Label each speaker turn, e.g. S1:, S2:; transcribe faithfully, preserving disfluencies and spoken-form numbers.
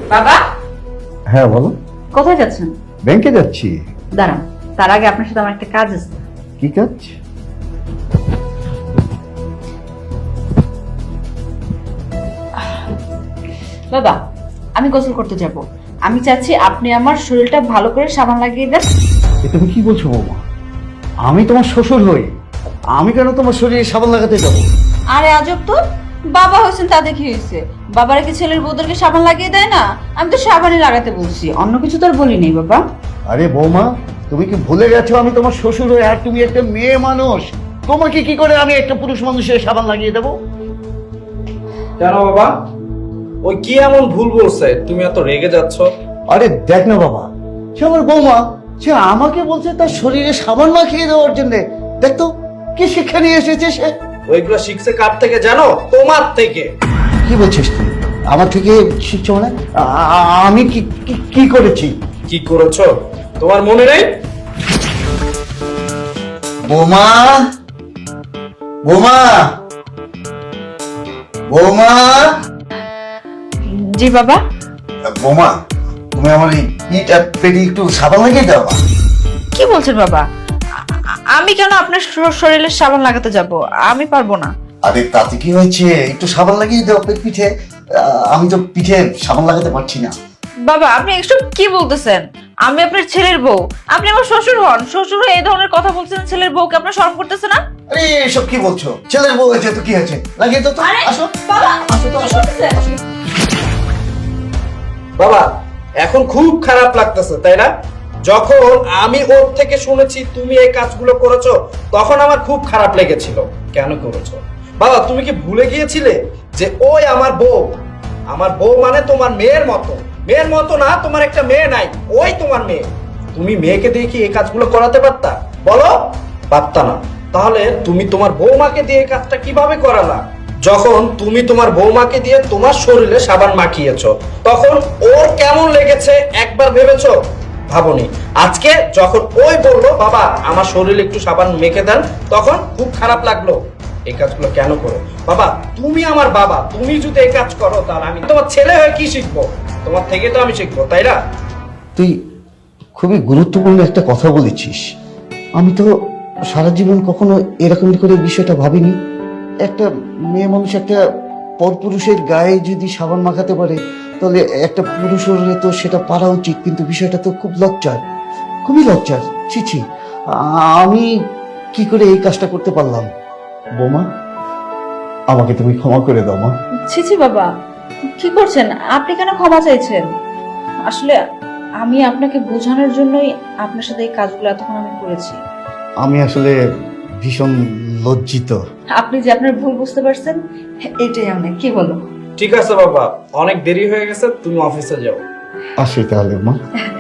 S1: বাবা,
S2: হ্যাঁ বলো।
S1: কোথায় যাচ্ছেন?
S2: ব্যাংকে যাচ্ছি।
S1: দাঁড়ান, তার আগে আপনার সাথে আমার একটা কাজ আছে।
S2: কি কাজ?
S1: বাবা, আমি গোসল করতে যাব। আমি চাচ্ছি আপনি আমার শরীরটা ভালো করে সাবান লাগিয়ে দেন।
S2: এ তুমি কি বলছো বৌমা? আমি তোমার শ্বশুর হই, আমি কেন তোমার শরীরে সাবান লাগাতে যাবো?
S1: আরে আজব তো, বাবা হয়েছেন তাতে কি হয়েছে? বাবারা কি ছেলের বউদেরকে সাবান লাগিয়ে দেয় না? আমি তো সাবানই লাগাতে বলছি, অন্য কিছু তো আর বলি নাই বাবা।
S2: আরে বৌমা, তুমি কি ভুলে গেছো আমি তোমার শ্বশুর হই আর তুমি একটা মেয়ে মানুষ? তোমাকে কি করে আমি একটা পুরুষ মানুষের সাবান লাগিয়ে দেবো?
S3: কেন বাবা, ওই কি এমন ভুল বলছে তুমি এত রেগে যাচ্ছ?
S2: আরে দেখ না বাবা, সে আমার বৌমা, সে আমাকে বলছে তার শরীরে সাবান মাখিয়ে দেওয়ার জন্য। দেখ তো কি শিক্ষা নিয়ে এসেছে সে।
S3: ওইগুলো শিখছে কার থেকে জানো? তোমার থেকে।
S2: কি বলছিস তুই? আমার থেকে শিখছো মানে? আ- আ- আমি কি কি- কি করেছি?
S3: কি করেছো তোমার মনে নেই?
S2: বৌমা, বৌমা, বৌমা,
S1: জি বাবা।
S2: বৌমা, তুমি আমার এই ইট আর পেটে একটু সাবান লাগিয়ে দাও।
S1: কি বলছেন বাবা? আ- আ- আমি কেন আপনার শ- শরীরে সাবান লাগাতে যাব? আমি পারবো না।
S2: আরে তাতে কি হয়েছে, একটু সাবান লাগিয়ে দাও পেট পিঠে। আহ, আমি তো পিঠে সাবান লাগাতে পারছি না।
S1: বাবা, আপনি এসব কি বলতেছেন? আমি আপনার ছেলের বউ, আপনি আমার শ্বশুর হন। শ্বশুর হয়ে এই ধরনের কথা বলছেন, ছেলের বউকে আপনার শরম করতেছে না?
S2: আরে এসব কি বলছো? ছেলের বউ হয়েছে তো কি হয়েছে, লাগিয়ে দাও তো।
S1: আরে
S2: আসো
S1: বাবা,
S2: আসো তো,
S1: কি
S2: আসো।
S1: করতেছেন?
S3: বাবা, এখন খুব খারাপ লাগতেছে তাই না? যখন আমি ওর থেকে শুনেছি তুমি এই কাজগুলো করেছো, তখন আমার খুব খারাপ লেগেছিল। কেন করেছো বাবা? তুমি কি ভুলে গিয়েছিলে যে ওই আমার বউ? আমার বউ মানে তোমার মেয়ের মতো। মেয়ের মতো না, তোমার একটা মেয়ে নাই, ওই তোমার মেয়ে। তুমি মেয়েকে দিয়ে কি এই কাজগুলো করাতে পারতা? বলো, পারতা না। তাহলে তুমি তোমার বৌমাকে দিয়ে এই কাজটা কিভাবে করালা? যখন তুমি তোমার বৌমাকে দিয়ে তোমার শরীরে সাবান মাখিয়েছো, তখন ওর কেমন লেগেছে একবার ভেবেছো? ভাবনি। আজকে যখন ওই বললো বাবা আমার শরীরে একটু সাবান মেখে দেন, তখন খুব খারাপ লাগলো। এই কাজগুলো কেন করো বাবা? তুমি আমার বাবা, তুমি যদি এই কাজ করো তাহলে আমি তোমার ছেলে হয়ে কি শিখবো? তোমার থেকে তো আমি শিখবো, তাই না?
S2: তুই খুবই গুরুত্বপূর্ণ একটা কথা বলেছিস। আমি তো সারা জীবন কখনো এরকম করে বিষয়টা ভাবিনি। একটা মেয়ে মানুষ একটা পরপুরুষের গায়ে যদি সাবান মাখাতে পারে, তাহলে একটা পুরুষের তো সেটা পারা উচিত। কিন্তু বিষয়টা তো খুব লজ্জার, খুবই লজ্জার। ছি ছি, আমি কি করে এই কাজটা করতে পারলাম? বৌমা, আমাকে তুমি ক্ষমা করে দাও মা।
S1: ছি ছি বাবা, কি করছেন আপনি? কেন ক্ষমা চাইছেন? আসলে আমি আপনাকে বোঝানোর জন্যই আপনার সাথে এই কাজগুলো এতক্ষণ আমি করেছি।
S2: আমি আসলে ভীষণ লজ্জিত।
S1: আপনি যে আপনার ভুল বুঝতে পারছেন, এটাই অনেক। কি বলো?
S3: ঠিক আছে বাবা, অনেক দেরি হয়ে গেছে, তুমি অফিসে যাও।
S2: আসি তাহলে মা।